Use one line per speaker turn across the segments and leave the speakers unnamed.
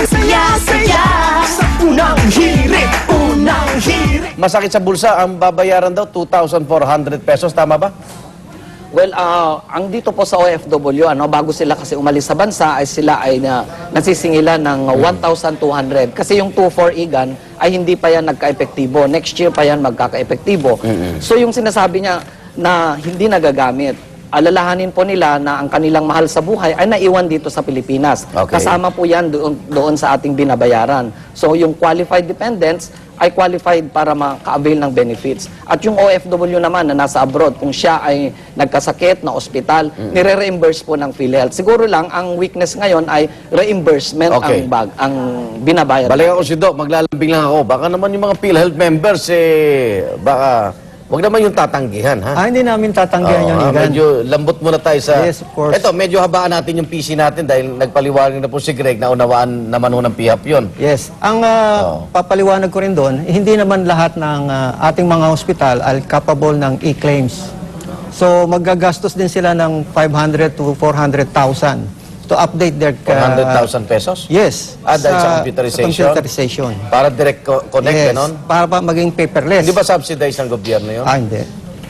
saya sa unang hirit, unang hirit.
Masakit sa bulsa, ang babayaran daw 2,400 pesos, tama ba?
Well, ang dito po sa OFW, bago sila kasi umalis sa bansa, ay sila ay nasisingilan ng 1,200. Kasi yung 2,400 EGAN ay hindi pa yan nagka-epektibo. Next year pa yan magkaka-epektibo. So yung sinasabi niya na hindi nagagamit, alalahanin po nila na ang kanilang mahal sa buhay ay naiwan dito sa Pilipinas.
Okay.
Kasama po yan doon sa ating binabayaran. So yung qualified dependents ay qualified para maka-avail ng benefits. At yung OFW naman na nasa abroad, kung siya ay nagkasakit na ospital, nire-reimburse po ng PhilHealth. Siguro lang, ang weakness ngayon ay reimbursement
Okay.
ang binabayad.
Balik ako si Doc, maglalambing lang ako. Baka naman yung mga PhilHealth members, baka wag naman yung tatanggihan, ha?
Hindi namin tatanggihan yun, Igan.
Medyo lambot muna tayo sa...
Yes, of course.
Ito, medyo habaan natin yung PC natin dahil nagpaliwanag na po si Greg na unawaan naman ho ng PHAP yun.
Yes. Ang papaliwanag ko rin doon, hindi naman lahat ng ating mga hospital ay capable ng e-claims. So, magagastos din sila ng 500 to 400,000 to update their...
400,000 pesos?
Yes.
Dahil sa computerization?
Computerization.
Para direct connect,
Yes.
ganon?
Para pa maging paperless.
Hindi ba subsidized ng gobyerno yun?
Hindi.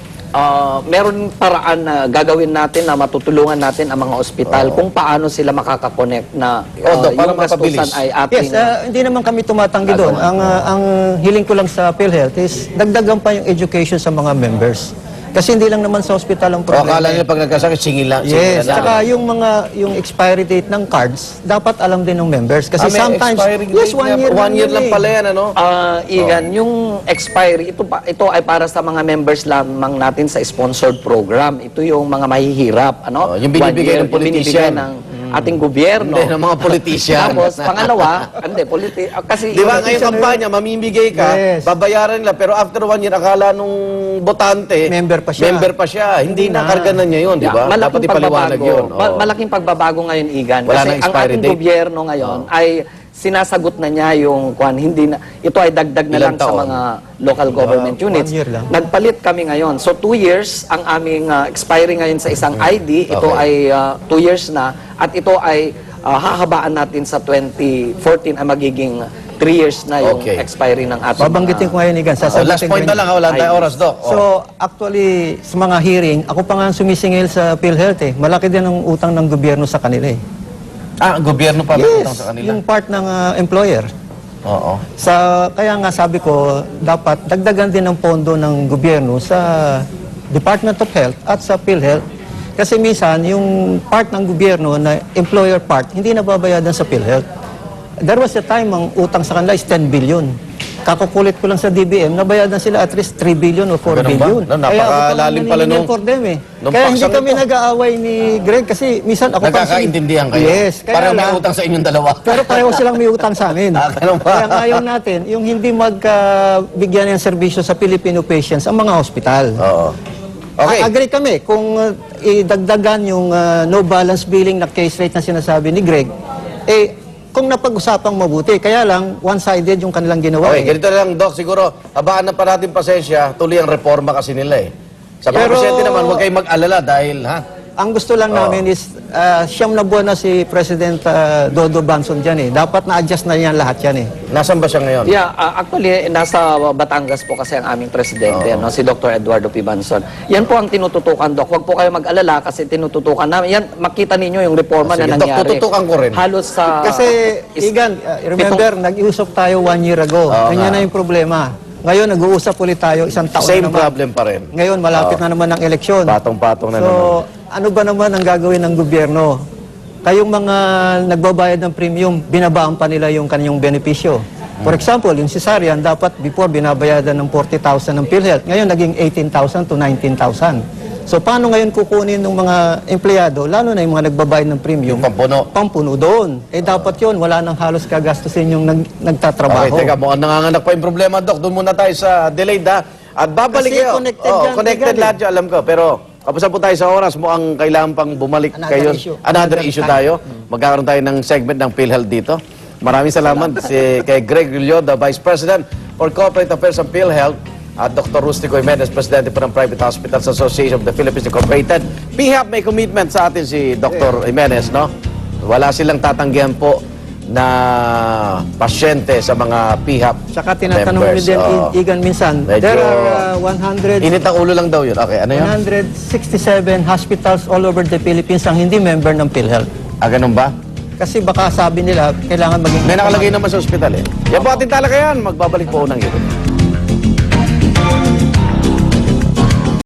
Meron paraan na gagawin natin na matutulungan natin ang mga ospital kung paano sila makakakonect na
Doc, para
yung gastusan
mapabilis.
ay ating...
Yes, hindi naman kami tumatanggi doon. Ang hiling ko lang sa PhilHealth is dagdagan pa yung education sa mga members. Kasi hindi lang naman sa hospital ang
O
problema.
akala nila pag nagkasakit, singil lang.
Yes,
singil na
saka
lang.
yung expiry date ng cards, dapat alam din ng members. Kasi
May
sometimes,
expiring
yes,
date
1 year
na, 1 year lang
eh.
pala yan, ano?
Igan, yung expiry, ito ay para sa mga members lamang natin sa sponsored program. Ito yung mga mahihirap,
Yung binibigay ng
Yung binibigay
politician.
ng ating gobyerno.
Hindi, ng mga politician.
Tapos, pangalawa, kasi...
Di ba ngayong kampanya, mamimigay ka,
Yes.
babayaran nila, pero after 1 year, akala nung botante,
Member pa siya.
Member pa siya. Hindi
Hindi na.
nakarga na niya yun, di ba?
Malaking
Dapat ipaliwanag
pagbabago.
yun. Oo.
Malaking pagbabago ngayon, Igan.
Wala
Kasi
nang
ang
expiry
ating
date.
gobyerno ngayon ay sinasagot na niya yung hindi na, ito ay dagdag na
Ilang
lang sa
taon?
mga local government
1
units.
year lang.
Nagpalit kami ngayon. So 2 years ang aming expiring ngayon sa isang ID. Ito
Okay.
ay 2 years na at ito ay hahabaan natin sa 2014 ay magiging 3 years na yung
Okay.
expiry ng ating
Babanggitin ko ngayon, Igan.
Oh, last point na lang, wala tayong oras, Doc.
So, actually, sa mga hearing, ako pa nga sumisingil sa PhilHealth eh. Malaki din ang utang ng gobyerno sa kanila eh.
Ang gobyerno pa
Yes,
utang sa kanila?
yung part ng employer.
Oo.
Kaya nga sabi ko, dapat dagdagan din ng pondo ng gobyerno sa Department of Health at sa PhilHealth. Kasi minsan, yung part ng gobyerno na employer part, hindi nababayadan sa PhilHealth. There was a time ang utang sa kanila is 10 billion. Kakukulit ko lang sa DBM, nabayadan sila at least 3 billion o 4
Ganun ba?
billion.
No, napakalalim pala nung-
for them eh.
nung
Kaya hindi
paksang
kami
ito.
nag-aaway ni Greg kasi minsan ako
Nagkakaintindihan kayo?
Yes. Kaya
Parang may
lang-
utang sa inyong dalawa.
pero pareho silang may utang sa amin.
Ganun ba?
Kaya ngayon natin, yung hindi magbigyan ng serbisyo sa Filipino patients, ang mga hospital.
Oo. Okay.
Agree kami kung idagdagan yung no balance billing na case rate na sinasabi ni Greg, kung napag-usapang mabuti. Kaya lang, one-sided yung kanilang ginawa.
Okay, ganito na lang, Doc. Siguro, habaan na pa natin pasensya. Tuloy ang reforma kasi nila eh. Sa mga
Pero-
presidente naman, huwag kayong mag-alala dahil,
Ang gusto lang namin is, siyam na buwan na si President Dodo Banson dyan eh. Dapat na-adjust na yan lahat yan eh.
Nasaan ba siya ngayon?
Yeah, actually, nasa Batangas po kasi ang aming presidente, si Dr. Eduardo P. Banson. Yan po ang tinututukan, Doc. Huwag po kayo mag-alala kasi tinututukan namin. Yan, makita ninyo yung reforma
Sige,
na
Doc,
nangyari.
tututukan ko rin.
Halos sa...
Kasi, Igan, remember, nag-iusap tayo 1 year ago.
Oo
Ganyan
nga.
na yung problema. Ngayon, nag-uusap ulit tayo, isang taon
Same
na naman.
problem pa rin.
Ngayon, malapit na naman ang eleksyon.
Patong-patong na
So,
naman.
ano ba naman ang gagawin ng gobyerno? Kayong mga nagbabayad ng premium, binabaan pa nila yung kanyang benepisyo. For example, yung cesarean, dapat before binabayadan ng 40,000 ng PhilHealth. Ngayon, naging 18,000 to 19,000. So, paano ngayon kukunin ng mga empleyado, lalo na yung mga nagbabayad ng premium,
Yung pampuno.
pampuno doon? Dapat yun, wala nang halos kagastusin yung nagtatrabaho.
Okay, teka, mukhang nanganganak pa yung problema, Doc. Doon muna tayo sa delayed, ha? At babalik
Kasi
kayo.
connected
Oo,
yan,
connected
Igan,
lahat yun, alam ko. Pero, kapusan po tayo sa oras. Mukhang kailangan pang bumalik
Another
kayo.
issue.
Another
Another
issue
time.
tayo. Magkakaroon tayo ng segment ng PhilHealth dito. Maraming salamat kay Greg Rillo, the Vice President for Corporate Affairs ng PhilHealth, at Dr. Rustico Jimenez, Presidente po ng Private Hospitals Association of the Philippines Incorporated. PHAP may commitment sa atin si Dr. Jimenez, no? Wala silang tatanggihan po na pasyente sa mga PHAP
Saka tinatanong mo
members.
din,
Oo.
Igan, minsan,
Medyo-
there are 100
Init ang ulo lang daw yun. Okay, ano yun?
167 hospitals all over the Philippines ang hindi member ng PhilHealth.
Ah, ganun ba?
Kasi baka sabi nila, kailangan maging...
May nakalagay naman sa ospital eh. Yan po ating talakayan. Magbabalik po unang yun.